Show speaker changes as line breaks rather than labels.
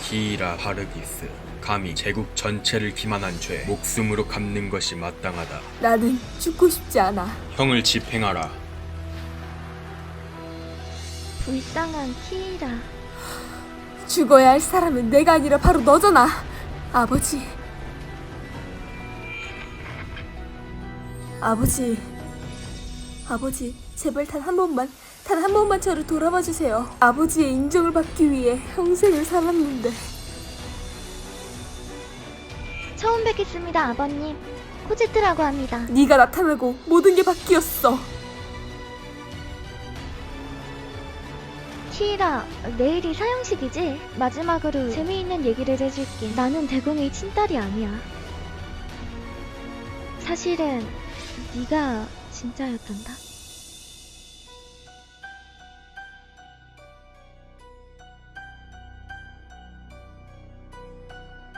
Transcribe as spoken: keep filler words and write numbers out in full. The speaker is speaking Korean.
키이라 하르기스, 감히 제국 전체를 기만한 죄 목숨으로 갚는 것이 마땅하다.
나는 죽고 싶지 않아.
형을 집행하라.
불쌍한 키이라.
죽어야 할 사람은 내가 아니라 바로 너잖아. 아버지. 아버지. 아버지, 제발 단 한 번만, 단 한 번만 저를 돌아봐 주세요. 아버지의 인정을 받기 위해 평생을 살았는데.
처음 뵙겠습니다, 아버님. 코지트라고 합니다.
네가 나타나고 모든 게 바뀌었어.
키이라, 내일이 사형식이지? 마지막으로 재미있는 얘기를 해줄게. 나는 대공의 친딸이 아니야. 사실은 네가 진짜였단다.